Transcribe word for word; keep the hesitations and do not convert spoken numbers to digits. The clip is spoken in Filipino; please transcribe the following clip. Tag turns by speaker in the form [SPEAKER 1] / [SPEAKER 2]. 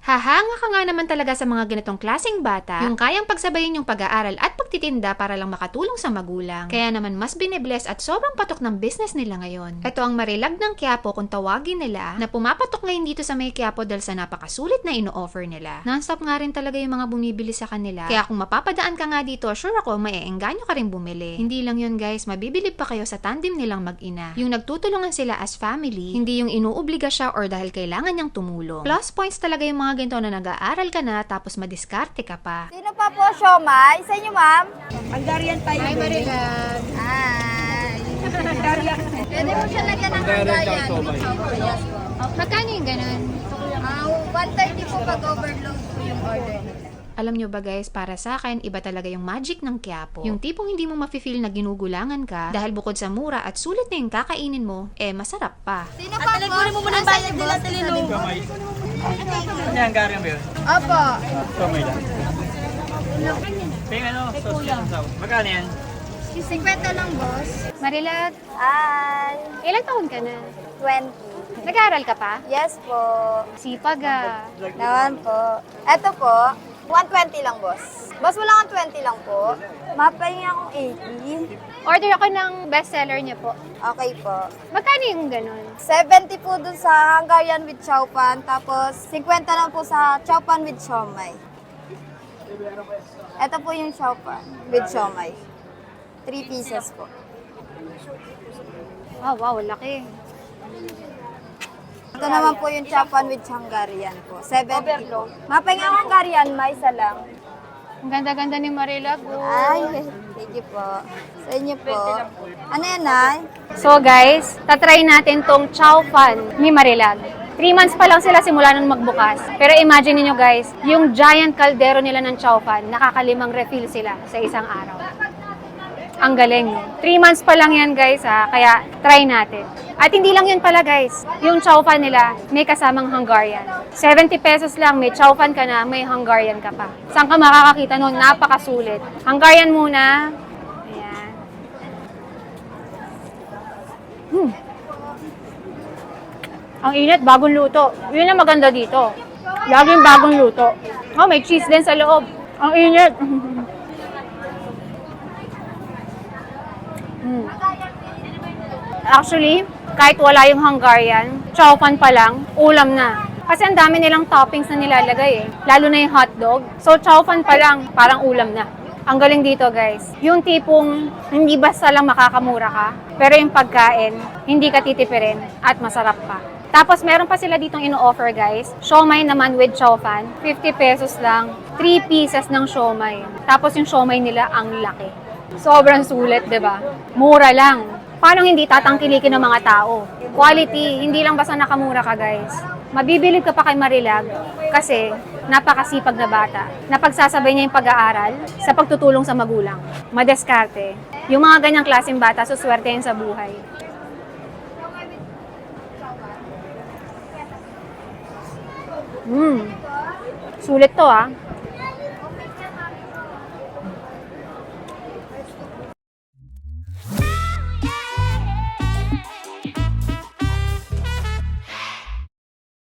[SPEAKER 1] Hahanga ka nga naman talaga sa mga ganitong klaseng bata, yung kayang pagsabayin yung pag-aaral at pagtitinda para lang makatulong sa magulang. Kaya naman mas binibless at sobrang patok ng business nila ngayon. Ito ang Marilag ng Quiapo kung tawagin nila, na pumapatok ngayon dito sa may Quiapo dahil sa napakasulit na ino-offer nila. Non-stop nga rin talaga yung mga bumibili sa kanila. Kaya kung mapapadaan ka nga dito, sure ako maeengganyo ka rin bumili. Hindi lang yun guys, mabibilib pa kayo sa tandem nilang mag-ina. Yung nagtutulungan sila as family, hindi yung inuobliga siya or dahil kailangan niyang tumulong. Plus points talaga yung mga ganito na nag-aaral ka na tapos madiskarte ka pa.
[SPEAKER 2] Sino pa po, siomay? Sa inyo, ma'am?
[SPEAKER 3] Hungarian tayo.
[SPEAKER 1] Hi Marilag!
[SPEAKER 2] Hi!
[SPEAKER 3] Hungarian.
[SPEAKER 2] Pwede mo siya lagyan ng Hungarian. Yes po.
[SPEAKER 1] Magkano yung ganun?
[SPEAKER 2] Ah, one thirty po pag overload po yung order nila.
[SPEAKER 1] Alam nyo ba guys, para sa akin, iba talaga yung magic ng Quiapo. Yung tipong hindi mo mafe-feel na ginugulangan ka dahil bukod sa mura at sulit na yung kakainin mo, eh masarap pa.
[SPEAKER 2] Sino pa po?
[SPEAKER 3] Kunin mo muna yung bayad nila sa Lilo.
[SPEAKER 4] Ano yung garing ba yun?
[SPEAKER 2] Opo.
[SPEAKER 4] Kamay lang. Ping ano? Sauce yan. Magkano yan?
[SPEAKER 2] fifty lang, boss.
[SPEAKER 1] Marilag,
[SPEAKER 2] Hi!
[SPEAKER 1] ilang taon ka na?
[SPEAKER 2] twenty.
[SPEAKER 1] Nag-aaral ka pa?
[SPEAKER 2] Yes po.
[SPEAKER 1] Sipag ah.
[SPEAKER 2] Naman po. Eto po, one twenty lang, boss. Boss, wala kang twenty lang po. Mapahingi akong eighty.
[SPEAKER 1] Order ako ng bestseller niya po.
[SPEAKER 2] Okay po.
[SPEAKER 1] Magkano yung ganun?
[SPEAKER 2] seventy po dun sa Hungarian with chow pan, tapos fifty lang po sa chow pan with siomay. Ito po yung chow pan with siomay. Three pieces po.
[SPEAKER 1] Wow, wow, laki.
[SPEAKER 2] Ito naman po yung chow pan with Hungarian po. seventy po. Mapahinga ang Hungarian, may isa lang.
[SPEAKER 1] Ang ganda-ganda ni Marilag. Oh.
[SPEAKER 2] Ay, thank you po. Sa inyo po. Ano yan, Nay?
[SPEAKER 1] So guys, tatry natin tong chow fan ni Marilag. Three months pa lang sila simula nung magbukas. Pero imagine niyo guys, yung giant kaldero nila ng chow fan, nakakalimang refill sila sa isang araw. Ang galing, no? Three months pa lang yan guys ha, kaya try natin. At hindi lang yun pala guys, yung chow fan nila may kasamang Hungarian. seventy pesos lang, may chow fan ka na, may Hungarian ka pa. Saan ka makakakita nun? Napakasulit. Hungarian muna. Ayan. Hmm. Ang init, bagong luto. Yun ang maganda dito. Laging bagong luto. Oh, may cheese din sa loob. Ang init. Hmm. Actually, kahit wala yung Hungarian, chow fan pa lang, ulam na. Kasi ang dami nilang toppings na nilalagay eh. Lalo na yung hotdog. So, chow fan pa lang, parang ulam na. Ang galing dito guys, yung tipong hindi basta lang makakamura ka, pero yung pagkain, hindi ka titipirin at masarap pa. Tapos meron pa sila ditong ino-offer guys, siomay naman with chow fan, fifty pesos lang, three pieces ng siomay. Tapos yung siomay nila ang laki. Sobrang sulit, 'di ba? Mura lang. Paano hindi tatangkilikin ng mga tao? Quality, hindi lang basta nakamura ka guys. Mabibilib ka pa kay Marilag kasi napakasipag na bata. Napagsasabay niya yung pag-aaral sa pagtutulong sa magulang. Madeskarte. Yung mga ganyang klaseng bata, suswertehin sa buhay. Hmm. Sulit to ah.